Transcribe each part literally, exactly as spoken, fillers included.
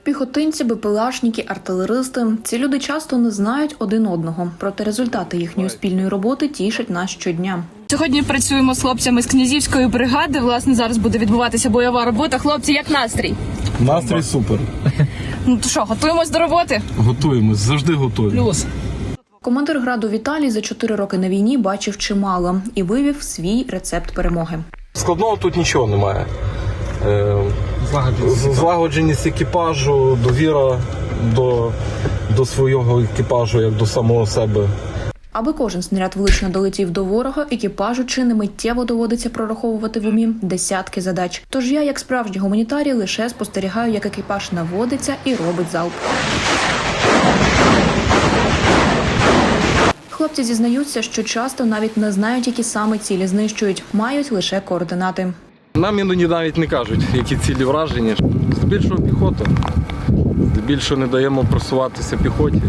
Піхотинці, бепелашники, артилеристи – ці люди часто не знають один одного, проте результати їхньої спільної роботи тішать нас щодня. Сьогодні працюємо з хлопцями з Князівської бригади. Власне, зараз буде відбуватися бойова робота. Хлопці, як настрій? Настрій супер. Ну то що, готуємось до роботи? Готуємось, завжди готові. Плюс. Командир граду Віталій за чотири роки на війні бачив чимало і вивів свій рецепт перемоги. Складного тут нічого немає. Е, Злагодженість екіпажу, довіра до, до свого екіпажу, як до самого себе. Аби кожен снаряд влучно долетів до ворога, екіпажу чи не миттєво доводиться прораховувати в умі десятки задач. Тож я, як справжній гуманітарій, лише спостерігаю, як екіпаж наводиться і робить залп. Хлопці зізнаються, що часто навіть не знають, які саме цілі знищують, мають лише координати. Нам іноді навіть не кажуть, які цілі враження. Здебільшого піхота. Здебільшого не даємо просуватися піхоті,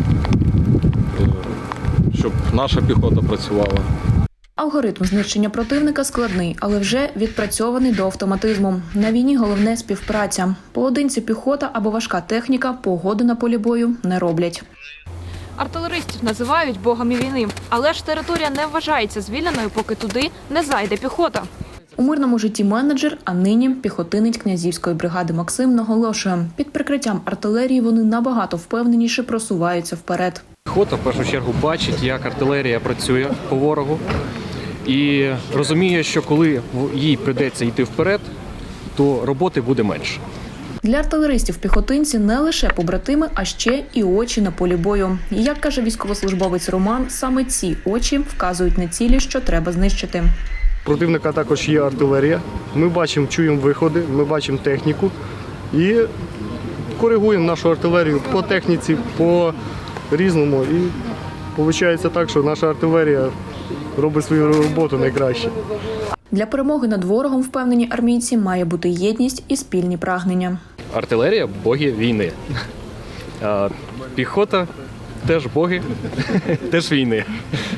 щоб наша піхота працювала. Алгоритм знищення противника складний, але вже відпрацьований до автоматизму. На війні головне – співпраця. Поодинці піхота або важка техніка погоду на полі бою не роблять. Артилеристів називають богами війни, але ж територія не вважається звільненою, поки туди не зайде піхота. У мирному житті менеджер, а нині піхотинець Князівської бригади Максим наголошує, під прикриттям артилерії вони набагато впевненіше просуваються вперед. Піхота в першу чергу бачить, як артилерія працює по ворогу і розуміє, що коли їй прийдеться йти вперед, то роботи буде менше. Для артилеристів піхотинці не лише побратими, а ще і очі на полі бою. І, як каже військовослужбовець Роман, саме ці очі вказують на цілі, що треба знищити. Противника також є артилерія. Ми бачимо, чуємо виходи, ми бачимо техніку і коригуємо нашу артилерію по техніці, по різному. І виходить так, що наша артилерія робить свою роботу найкраще. Для перемоги над ворогом, впевнені армійці, має бути єдність і спільні прагнення. Артилерія – боги війни. А піхота – теж боги, теж війни.